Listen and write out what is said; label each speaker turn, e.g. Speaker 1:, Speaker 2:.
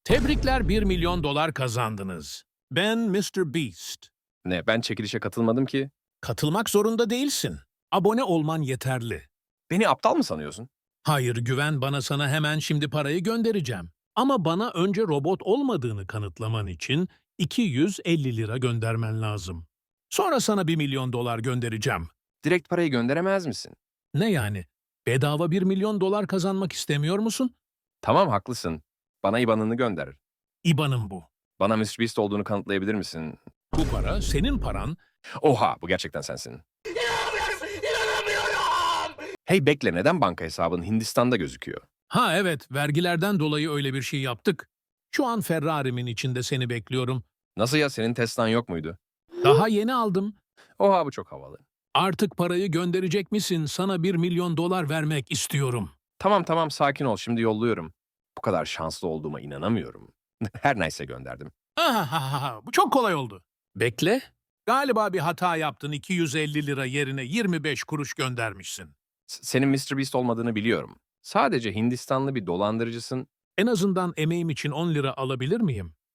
Speaker 1: Tebrikler, 1 milyon dolar kazandınız. Ben Mr. Beast.
Speaker 2: Ne, ben çekilişe katılmadım ki.
Speaker 1: Katılmak zorunda değilsin. Abone olman yeterli.
Speaker 2: Beni aptal mı sanıyorsun?
Speaker 1: Hayır, güven bana, sana hemen şimdi parayı göndereceğim. Ama bana önce robot olmadığını kanıtlaman için 250 lira göndermen lazım. Sonra sana 1 milyon dolar göndereceğim.
Speaker 2: Direkt parayı gönderemez misin?
Speaker 1: Ne yani? Bedava 1 milyon dolar kazanmak istemiyor musun?
Speaker 2: Tamam, haklısın. Bana IBAN'ını gönder.
Speaker 1: İBAN'ım bu.
Speaker 2: Bana MrBeast olduğunu kanıtlayabilir misin?
Speaker 1: Bu para senin paran.
Speaker 2: Oha, bu gerçekten sensin. Hey bekle, neden banka hesabın Hindistan'da gözüküyor?
Speaker 1: Ha evet, vergilerden dolayı öyle bir şey yaptık. Şu an Ferrari'min içinde seni bekliyorum.
Speaker 2: Nasıl ya, senin Tesla'n yok muydu?
Speaker 1: Daha yeni aldım.
Speaker 2: Oha, bu çok havalı.
Speaker 1: Artık parayı gönderecek misin? Sana 1 milyon dolar vermek istiyorum.
Speaker 2: Tamam sakin ol, şimdi yolluyorum. Bu kadar şanslı olduğuma inanamıyorum. Her neyse gönderdim.
Speaker 1: Bu çok kolay oldu. Bekle. Galiba bir hata yaptın. 250 lira yerine 25 kuruş göndermişsin.
Speaker 2: Senin MrBeast olmadığını biliyorum. Sadece Hindistanlı bir dolandırıcısın.
Speaker 1: En azından emeğim için 10 lira alabilir miyim?